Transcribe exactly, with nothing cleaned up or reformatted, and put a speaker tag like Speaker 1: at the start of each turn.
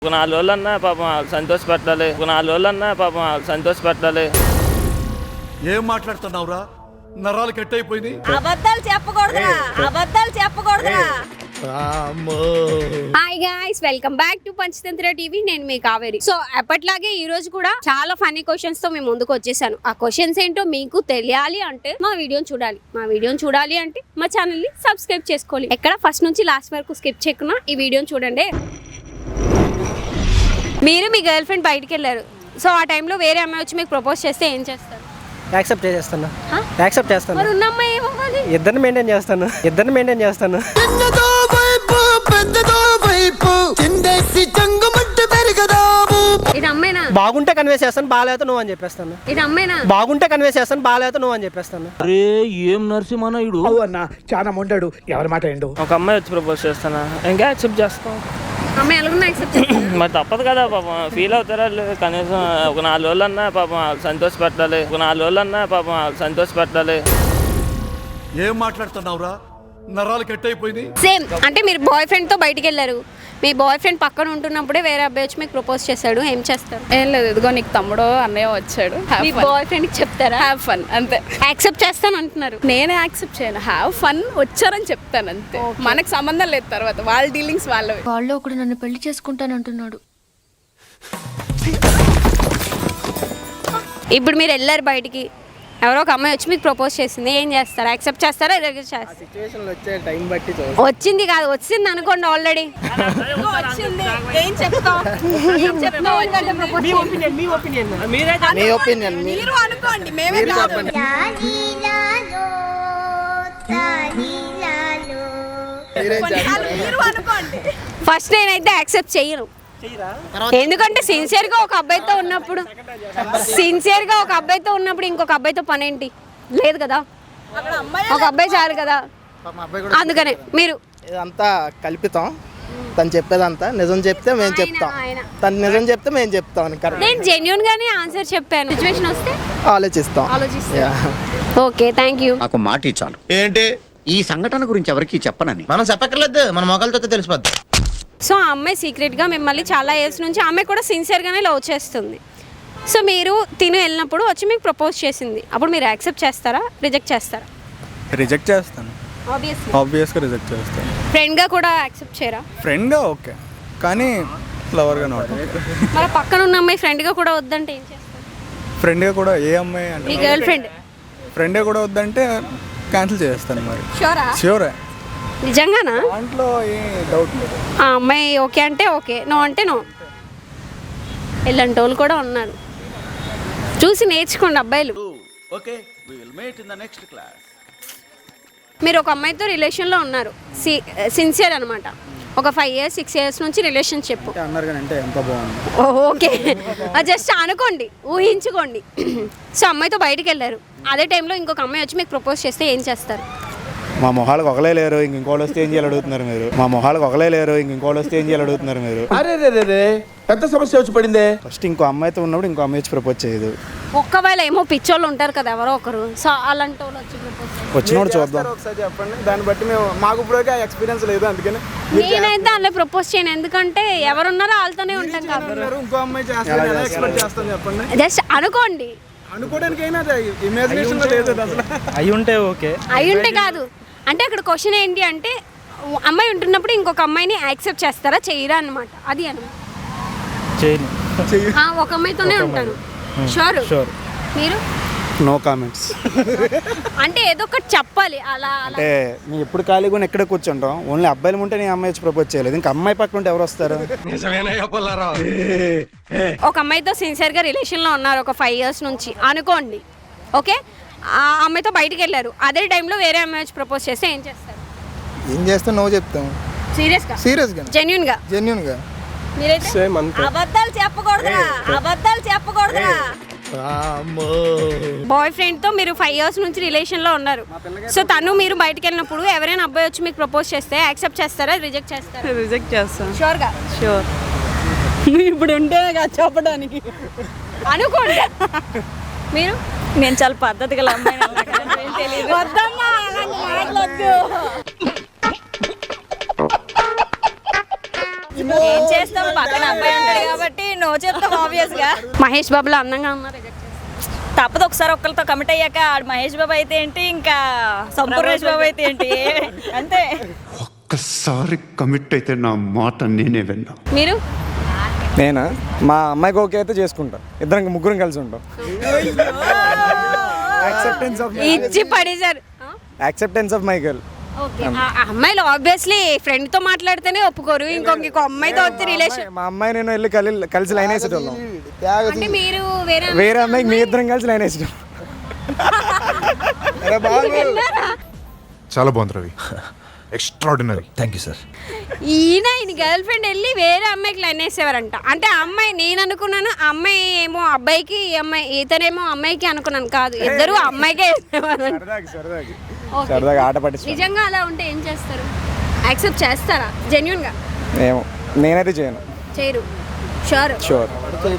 Speaker 1: ఒక నాలుగు రోజులన్నా పాపం సంతోషపెట్టాలి ఒక నాలుగు రోజులన్నా పాపం సంతోషపెట్టాలి.
Speaker 2: ఏం మాట్లాడుతున్నావురా? నరాలు కట్ అయిపోయింది.
Speaker 3: అబద్ధాలు చెప్పకూడదురా, అబద్ధాలు చెప్పకూడదురా.
Speaker 4: Hi guys, welcome back to Panchatantra TV. నేను మీ కావేరి. సో ఎప్పట్లాగే ఈ రోజు కూడా చాలా ఫన్నీ క్వశ్చన్స్ తో మేము ముందుకు వచ్చేసాను. ఆ క్వశ్చన్స్ ఏంటో మీకు తెలియాలి అంటే మా వీడియోని చూడాలి. మా వీడియోని చూడాలి అంటే మా ఛానల్ ని సబ్స్క్రైబ్ చేసుకోవాలి. ఎక్కడ ఫస్ట్ నుంచి లాస్ట్ వరకు స్కిప్ చేయకుండా ఈ వీడియోని చూడండి. మీరు మీ గర్ల్ ఫ్రెండ్ బయటికి వెళ్ళారు. సో ఆ టైంలో వేరే అమ్మాయి వచ్చి మీకు ప్రపోజ్ చేస్తే ఏం చేస్తారు?
Speaker 5: యాక్సెప్ట్ చేస్తాను యాక్సెప్ట్ చేస్తాను
Speaker 4: మరి ఉన్న అమ్మాయి ఏమవ్వాలి?
Speaker 5: ఇద్దరిని మెయింటైన్ చేస్తాను ఇద్దరిని మెయింటైన్ చేస్తాను
Speaker 4: ఇది అమ్మాయినా?
Speaker 5: బాగుంటే కన్వే చేస్తాను, బాగాలేత నువ్వు అని చెప్పేస్తాను.
Speaker 4: ఇది అమ్మాయినా?
Speaker 5: బాగుంటే కన్వే చేస్తాను, బాగాలేత నువ్వు అని చెప్పేస్తాను.
Speaker 1: అరే ఏం నరసింహనాయుడు
Speaker 6: అన్న చాలా మొండాడు, ఎవరి మాట ఏండు.
Speaker 1: ఒక అమ్మాయి వచ్చి ప్రపోజ్ చేస్తానా, ఇంకా యాక్సెప్ట్ చేస్తాం.
Speaker 4: అమ్మాయి ఎలాగున్నా యాక్సెప్ట్ చేస్తాను.
Speaker 1: మరి తప్పదు కదా పాపం, ఫీల్ అవుతారా వాళ్ళు. కనీసం ఒక నాలుగు రోజులన్నా పాపం సంతోషపెట్టాలి ఒక నాలుగు రోజులన్నా పాపం సంతోషపెట్టాలి.
Speaker 2: ఏం మాట్లాడుతున్నావురా? నరాలు కట్ అయిపోయింది.
Speaker 4: సేమ్ అంటే మీరు బాయ్ ఫ్రెండ్ తో బయటికి వెళ్ళారు. మీ బాయ్ ఫ్రెండ్ పక్కన ఉంటున్నప్పుడే వేరే అబ్బాయి వచ్చి మీకు ప్రపోజ్ చేశాడు, ఏం చేస్తారు?
Speaker 7: ఏం లేదు, ఇదిగో నీకు తమ్ముడు అన్నయ్య వచ్చాడు,
Speaker 4: మీ బాయ్ ఫ్రెండ్ కి చెప్తారా?
Speaker 7: హ్యావ్ ఫన్ అంతే.
Speaker 4: యాక్సెప్ట్ చేస్తాను అంటున్నారు.
Speaker 7: నేనే యాక్సెప్ట్ చేయను, హ్యావ్ ఫన్ వచ్చారని చెప్తాను అంతే. మనకు సంబంధం లేదు, తర్వాత వాళ్ళ డీలింగ్స్ వాళ్ళవి.
Speaker 8: వాళ్ళు ఒకడు నన్ను పెళ్లి చేసుకుంటానంటున్నాడు.
Speaker 4: ఇప్పుడు మీరు వెళ్ళారు బయటికి, ఎవరో ఒక అమ్మాయి వచ్చి మీకు ప్రపోజ్ చేసింది, ఏం చేస్తారు? యాక్సెప్ట్ చేస్తారా? రిజెక్ట్ చేస్తారా?
Speaker 5: సిచువేషన్ వచ్చే టైం బట్టి
Speaker 4: వచ్చింది కాదు, వచ్చింది అనుకోండి ఆల్రెడీ.
Speaker 3: ఏం చెప్తావు? ఏం చెప్తావు?
Speaker 5: మీ ఒపీనియన్ మీ ఒపీనియన్
Speaker 6: మీ ఒపీనియన్
Speaker 3: మీరు అనుకోండి, మేమే కాదు. కొన్నిసార్లు మీరు అనుకోండి.
Speaker 4: ఫస్ట్ నేనైతే యాక్సెప్ట్ చెయ్యను, ఎందుకంటే సిన్సియర్ గా ఒక అబ్బాయితో ఉన్నప్పుడు సిన్సియర్ గా ఒక అబ్బాయితో ఉన్నప్పుడు ఇంకొక అబ్బాయితో పని ఏంటి? లేదు కదా,
Speaker 3: అక్కడ అమ్మాయి
Speaker 4: ఒక అబ్బాయి చాలు కదా. అందుకనే మీరు
Speaker 6: ఇదంతా కల్పితం. తను చెప్పేదంతా నిజం చెప్తే మేము చెప్తాం,
Speaker 4: ఆయన-
Speaker 6: తను నిజం చెప్తే మేము చెప్తాం. కరెక్ట్,
Speaker 4: నేను జెన్యూన్ గానే ఆన్సర్ చెప్పాను. సిచ్యువేషన్ వస్తే
Speaker 6: ఆలోచిస్తాం.
Speaker 4: ఆలోచిస్తాను. Okay, thank you.
Speaker 9: నాకు మాట ఇచ్చాను
Speaker 10: ఏంటి?
Speaker 9: ఈ సంఘటన గురించి ఎవరికి చెప్పనని.
Speaker 10: మనం చెప్పక్కర్లేదు, మన మొగలతో తెలిసిపోద్ది.
Speaker 4: సో ఆ అమ్మాయి సీక్రెట్ గా మిమ్మల్ని చాలా ఇయర్స్ నుంచి, ఆ అమ్మాయి కూడా సిన్సియర్ గానే లవ్ చేస్తుంది. సో మీరు తిను వెళ్ళినప్పుడు వచ్చి మీకు ప్రపోజ్ చేసింది, అప్పుడు మీరు యాక్సెప్ట్ చేస్తారా, రిజెక్ట్ చేస్తారా?
Speaker 11: రిజెక్ట్ చేస్తాను,
Speaker 4: ఆబ్వియస్లీ.
Speaker 11: ఆబ్వియస్గా రిజెక్ట్ చేస్తాను.
Speaker 4: ఫ్రెండ్గా కూడా యాక్సెప్ట్ చేయరా?
Speaker 11: ఫ్రెండ్గా ఓకే, కానీ లవర్గా నాట్.
Speaker 4: మరి పక్కన ఉన్న అమ్మాయి ఫ్రెండ్గా కూడా వద్దంటే ఏం చేస్తారు?
Speaker 11: ఫ్రెండ్గా కూడా ఏ అమ్మాయి
Speaker 4: మీ
Speaker 11: అంటే
Speaker 4: గర్ల్ ఫ్రెండ్
Speaker 11: ఫ్రెండ్గా కూడా వద్దంటే క్యాన్సిల్ చేస్తాను. మరి
Speaker 4: షూరా?
Speaker 11: ష్యూరే,
Speaker 4: నిజంగానా?
Speaker 11: దాంట్లో ఏ డౌట్ లేదు.
Speaker 4: ఆ అమ్మాయి ఓకే అంటే ఓకే, నో అంటే నో. ఇలాంటి వాళ్ళు కూడా ఉన్నారు, చూసి నేర్చుకోండి అబ్బాయిలు. మీరు ఒక అమ్మాయితో రిలేషన్లో ఉన్నారు, సి సిన్సియర్ అనమాట. ఒక ఫైవ్ ఇయర్స్ సిక్స్ ఇయర్స్ నుంచి రిలేషన్షిప్.
Speaker 11: అన్నారు కానీ అంటే ఎంత బాగుంది.
Speaker 4: ఓకే, జస్ట్ అనుకోండి, ఊహించుకోండి. సో అమ్మాయితో బయటికి వెళ్ళారు, అదే టైంలో ఇంకొక అమ్మాయి వచ్చి మీకు ప్రపోజ్ చేస్తే ఏం చేస్తారు?
Speaker 11: మా మొహాలకు ఒకలే లేరు, ఇంక ఇంకోటి వస్తే ఏం చేయాలి అడుగుతున్నారు మీరు. మా మొహాలకు ఒకలే లేరు, ఇంక ఇంకోటి వస్తే ఏం చేయాలి అడుగుతున్నారు మీరు.
Speaker 10: అరే రే రే రే పెద్ద సమస్య వచ్చి పడిందే.
Speaker 11: ఫస్ట్ ఇంకో అమ్మాయితో ఉన్నప్పుడు ఇంకో అమ్మాయి వచ్చి ప్రపోజ్ చేయదు.
Speaker 4: ఒక్కవేళ ఏమో పిచ్చోళ్ళు ఉంటారు కదా ఎవరో ఒకరు, సో అలాంటి వాళ్ళు వచ్చి ప్రపోజ్
Speaker 11: వచ్చినోడు చూద్దాం.
Speaker 5: ఒకసారి చెప్పండి, దాన్ని బట్టి మేము మాకు ఇప్పుడు ఎక్స్పీరియన్స్ లేదు, అందుకని
Speaker 4: నేనైతే అలా ప్రపోజ్ చేయను, ఎందుకంటే ఎవరున్నారో వాళ్ళతోనే ఉంటాం కాబట్టి.
Speaker 5: ఇంకో అమ్మాయి చేస్తాను ఎక్స్పెక్ట్ చేస్తాను చెప్పండి.
Speaker 4: జస్ట్ అనుకోండి,
Speaker 5: అనుకోవడానికి అయినా ఇమాజినేషన్ లేదు అసలు.
Speaker 11: అయి ఉంటే ఓకే,
Speaker 4: అయి ఉంటే కాదు. అంటే అక్కడ క్వశ్చన్ ఏంటి అంటే, అమ్మాయి ఉంటున్నప్పుడు ఇంకొక అమ్మాయిని యాక్సెప్ట్ చేస్తారా, చేయరా అనమాట. అది అనమాట.
Speaker 11: చేయను.
Speaker 4: ఒక అమ్మాయితోనే ఉంటాను. షూర్? మీరు
Speaker 11: నో కామెంట్స్.
Speaker 4: అంటే ఏదో ఒకటి చెప్పాలి అలా అలా.
Speaker 11: అంటే మేము ఎప్పుడు ఖాళీగా ఉన్న ఎక్కడ కూర్చుంటాం, ఓన్లీ అబ్బాయిలు ఉంటే నేను అమ్మాయి వచ్చి ప్రపోజ్ చేయలేదు, ఇంకా అమ్మాయి పక్కన ఉంటే ఎవరు వస్తారు?
Speaker 4: ఒక అమ్మాయితో సిన్సియర్ గా రిలేషన్ లో ఉన్నారు ఒక ఫైవ్ ఇయర్స్ నుంచి అనుకోండి, ఓకే. ఆ అమ్మాయితో బయటికి వెళ్ళారు, అదే టైంలో వేరే అమ్మాయి వచ్చి ప్రపోజ్ చేస్తే ఏం చేస్తారు?
Speaker 11: ఏం చేస్తే నో చెప్తాం.
Speaker 4: సీరియస్ గా,
Speaker 11: సీరియస్ గా,
Speaker 4: జెన్యూన్ గా,
Speaker 11: జెన్యూన్ గా.
Speaker 4: మీరైతే
Speaker 5: సేమ్ అంతే.
Speaker 3: అబద్ధాలు చెప్పకూడదురా, అబద్ధాలు చెప్పకూడదురా.
Speaker 4: బాయ్ ఫ్రెండ్ తో మీరు ఫైవ్ ఇయర్స్ నుంచి రిలేషన్ లో ఉన్నారు. సో తను మీరు బయటకు వెళ్ళినప్పుడు ఎవరైనా అబ్బాయి వచ్చి మీకు ప్రపోజ్ చేస్తే యాక్సెప్ట్ చేస్తారా, రిజెక్ట్ చేస్తారా?
Speaker 7: రిజెక్ట్ చేస్తాను.
Speaker 4: షూర్ గా?
Speaker 7: షూర్. ఇప్పుడు ఉంటేనే కదా చెప్పడానికి.
Speaker 4: అనుకోండి. మీరు?
Speaker 7: నేను చాలా పద్ధతిగా అమ్మాయి
Speaker 4: వద్దమ్మా అలాంటి మాటలొద్దు.
Speaker 3: ఏం చేస్తాం పక్కన అబ్బాయి ఉంటాడు కాబట్టి నో చెప్తాం ఆబ్వియస్ గా.
Speaker 4: మహేష్ బాబులో అందంగా ఉన్నారు reject చేస్తారు.
Speaker 3: తప్పదు ఒకసారి ఒక్కరితో కమిట్ అయ్యాక ఆడు మహేష్ బాబు అయితే ఏంటి ఇంకా సంపూర్ణేష్ బాబు అయితే ఏంటి అంతే.
Speaker 2: ఒక్కసారి కమిట్ అయితే నా మాట నేనే విన్నా.
Speaker 4: మీరు
Speaker 5: నేనా మా అమ్మాయికి ఓకే అయితే చేసుకుంటా, ఇద్దరం ముగ్గురం కలిసి ఉంటాం. యాక్సెప్టెన్స్ ఆఫ్
Speaker 4: ఇచ్చి పడేశారు.
Speaker 5: Acceptance of my girl.
Speaker 4: Okay అమ్మాయిలు ఆబ్వియస్లీ ఫ్రెండ్ తో మాట్లాడితేనే ఒప్పుకోరు, ఇంకొక ఇంకో అమ్మాయితో వచ్చి రిలేషన్.
Speaker 5: మా అమ్మాయి నేను వెళ్ళి కలి కలిసి లైన్ వేసేటోళ్ళం,
Speaker 4: అంటే మీరు వేరే
Speaker 5: వేరే అమ్మాయికి మీ ఇద్దరం కలిసి లైన్ వేసేటోళ్ళం.
Speaker 11: చాలా బాగుంది Ravi, extraordinary.
Speaker 10: Thank you sir.
Speaker 4: ఈయన ఈయన గర్ల్ ఫ్రెండ్ వెళ్ళి వేరే అమ్మాయికి లైన్ వేసేవారంట. అంటే ఆ అమ్మాయి నేను అనుకున్నాను, ఆ అమ్మాయి ఏమో అబ్బాయికి, ఈ అమ్మాయి ఇతనేమో అమ్మాయికి అనుకున్నాను. కాదు, ఇద్దరు అమ్మాయికే వేసేవారు.
Speaker 5: సరదాగా సరదాగా
Speaker 4: Okay.
Speaker 5: సరదాగా ఆట పట్టించు.
Speaker 4: నిజంగా అలా ఉంటే ఏం చేస్తారు? యాక్సెప్ట్ చేస్తారా జెన్యున్ గా?
Speaker 5: ఏమో నేనైతే చేయను.
Speaker 4: చేయరు. Sure
Speaker 5: sure.